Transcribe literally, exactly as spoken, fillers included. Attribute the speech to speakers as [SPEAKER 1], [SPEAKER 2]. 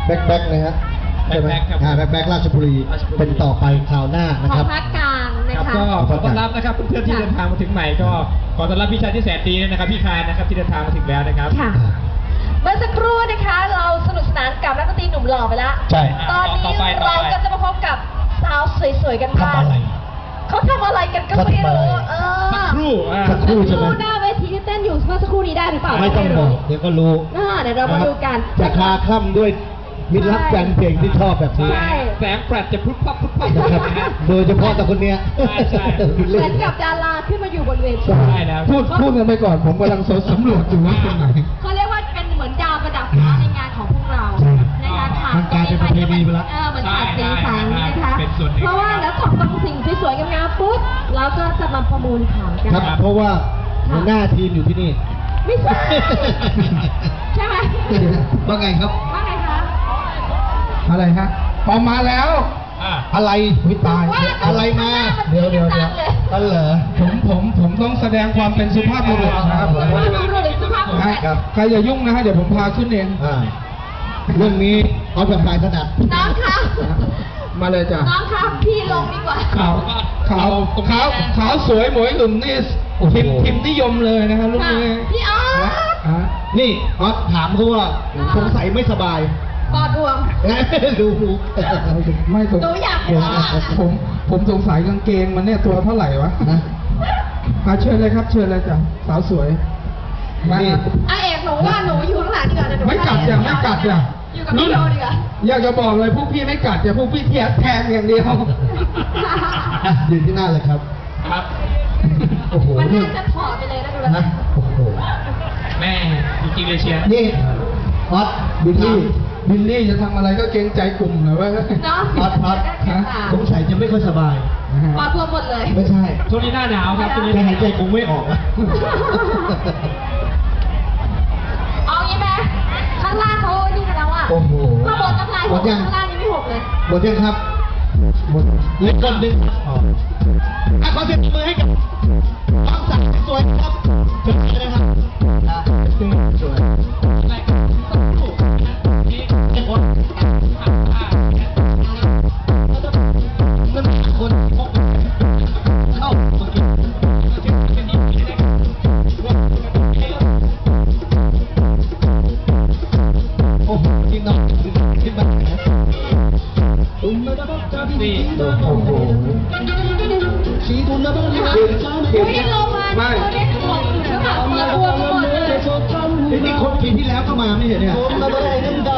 [SPEAKER 1] แบ็คแบ็คนะฮะใช่ไหมอ่าแบ็คแบ็คราชบุรีเป็นต่อไปคราวหน้านะครับ
[SPEAKER 2] ของภาคกลางนะคะ
[SPEAKER 3] ก็ขอต้อนรับนะครับเพื่อนๆที่เดินทางมาถึงใหม่ก็ขอต้อนรับพี่ชายที่แสนดีนะครับพี่คายนะครับที่เดินทางมาถึงแล้วนะครับ
[SPEAKER 2] ค่ะเมื่อสักครู่นะคะเราสนุกสนานกับนักดนตรีหนุ่มหล่อไปแล้ว
[SPEAKER 1] ใช่
[SPEAKER 2] ตอนนี้เราก็จะมาพบกับสาวสวยๆกันบ้าง
[SPEAKER 1] ทำอะไร
[SPEAKER 2] เขาทำอะไรกันก็ไม่รู้เออ
[SPEAKER 3] สักครู่อ่า
[SPEAKER 1] สักครู่ใช่ไหม
[SPEAKER 2] หน้าเวทีที่เต้นอยู่เมื่อสักครู่นี้ได้หรือเปล่า
[SPEAKER 1] ไม่ต้องบอกเดี๋ยวก็รู้
[SPEAKER 2] อ่าเดี๋ยวเรามาดูกัน
[SPEAKER 1] จะคลาคล่ำด้วยมิตรรักแฟนเพลงที่ชอบแบบนี้
[SPEAKER 2] ใช่
[SPEAKER 3] แสงแฟลชจะพุทพับพุทพับ
[SPEAKER 1] นะครับโดยเฉพาะแต่คนเนี้ย
[SPEAKER 3] ใช่ใช่
[SPEAKER 2] เหมือนกับดาราขึ้นมาอยู่บนเวที
[SPEAKER 3] ใช่แล้ว
[SPEAKER 4] พูดพูดกันไปก่อนผมกำลังสำรวจอยู่ว่าตรงไหน
[SPEAKER 2] เขาเรียกว่าเป็นเหมือนดาวประดับฟ้าในงานของพวกเรานะคะค่ะ
[SPEAKER 1] มันกลายเป็นประเพณีไปแล้ว
[SPEAKER 2] เออเหมือนขาดสีสันนะคะเพราะว่าแล้วจบตรงสิ่งสวยๆงามๆปุ๊บเราก็จะมาประมูลขายกัน
[SPEAKER 1] ครับเพราะว่าหัวหน้าทีมอยู่ที่นี่
[SPEAKER 2] ไม่ใช่ใช่ไหม
[SPEAKER 1] ว่าไงครับ
[SPEAKER 2] ว่าไงคะ
[SPEAKER 4] อะไรฮะออกมาแล้ว
[SPEAKER 3] อ่า
[SPEAKER 1] อะไรวิตาย
[SPEAKER 2] ว่า
[SPEAKER 1] อะไรมา เดี๋ยวเดี๋ยวเดี๋ยวอันเหรอ
[SPEAKER 4] ผมผมผมต้องแสดงความเป็นสุภาพบุรุษนะครับผม
[SPEAKER 2] สุภาพบุรุษหรือสุภาพบุรุษ
[SPEAKER 4] ฮะใครอย่ายุ่งนะฮะเดี๋ยวผมพาขึ้นเอง
[SPEAKER 1] อ่าเรื่องนี้เอาแบบปลายถนัด
[SPEAKER 2] น้องคะ
[SPEAKER 4] มาเลยจ้ะ
[SPEAKER 2] น้องคะพี่ลงดีกว่า
[SPEAKER 4] ขาวขาวขาวขาวสวยหมวยหลุ่มนี่พิมพ์พิมพ์นิยมเลยนะครับลูก
[SPEAKER 2] ค่ะ
[SPEAKER 4] นี้
[SPEAKER 2] พี่ออส
[SPEAKER 4] ฮะ
[SPEAKER 1] นี่ออสถามเขาว่าสงสัยไม่สบาย
[SPEAKER 2] ปอดบวม
[SPEAKER 1] ดูหู
[SPEAKER 4] ไม่สง
[SPEAKER 2] หนูอยาก
[SPEAKER 4] ผม
[SPEAKER 2] ว่า
[SPEAKER 4] ผมผมสงสัยกางเกงมันเนี่ยตัวเท่าไหร่วะ
[SPEAKER 1] นะ
[SPEAKER 4] มาเชิญเลยครับเชิญเลยจ้ะสาวสวยมา
[SPEAKER 1] นี่
[SPEAKER 2] อ่ะเอกหนูว่าหนูอยู่ข้างหลังดีกว่าเดี๋ยวหนู
[SPEAKER 4] ไม่กัดอย่างไม่กัดอย่าง
[SPEAKER 2] อยู่กับพี่โยดีกว่า
[SPEAKER 4] อยากจะบอกเลยพวกพี่ไม่กัดแต่พวกพี่แทงแทงอย่างเดียว
[SPEAKER 1] อ่ะยืนที่หน้าเลยครับ
[SPEAKER 3] ครับ
[SPEAKER 1] โอ้โห
[SPEAKER 2] มัน
[SPEAKER 1] นี่
[SPEAKER 2] น่าจะถอดไปเลยนะดูแล้ว
[SPEAKER 1] นะโอ้โห
[SPEAKER 3] แม่จริงๆเลยเชียร์
[SPEAKER 1] นี่ออสบิลลี่
[SPEAKER 4] บิลลี่จะทำอะไรก็เกรงใจกลุ่มหน่อยว่า
[SPEAKER 2] เนาะ
[SPEAKER 1] ออสออส
[SPEAKER 4] ฮะ
[SPEAKER 1] สงสัยจะไม่ค่อยสบาย
[SPEAKER 2] ปอดบวมหมดเลย
[SPEAKER 1] ไม่ใช่
[SPEAKER 3] ช่วงนี้หน้าหนาวครับช่วงนี้
[SPEAKER 1] แกหายใจคงไม่ออกอะ
[SPEAKER 2] เอางี้ไหมข้างล่างเขานี่กันแล้วอ่ะ
[SPEAKER 1] โอ้โห
[SPEAKER 2] ข้างบนน้ำลาย
[SPEAKER 1] ห
[SPEAKER 2] ห
[SPEAKER 1] ม
[SPEAKER 2] ก
[SPEAKER 1] ดยัง
[SPEAKER 2] ข้างล่างยังไม่หกเลย
[SPEAKER 1] หมดยังครับหมดเหล็กคนหนึ่งอ๋ออ่ะขอเสียงปรบมือให้กับน้องสาวสวยครับเชิญเลยนะครับอ่ะสวยสวยเอ้ยคนนั่นคนพกเข้ามากินโอ้โหนี่น้องขึ้นมานะ
[SPEAKER 3] นี่
[SPEAKER 1] โอ้โหชีทุนนะบ้างนี่เก่งเก่ง
[SPEAKER 2] พี่ลงมา
[SPEAKER 4] ไม่
[SPEAKER 2] ตัวเล็กหกหรือเปล่าปอดบวมหมดเลย
[SPEAKER 1] นี่คนปีที่แล้วก็มาไม่เห็นเนี่ย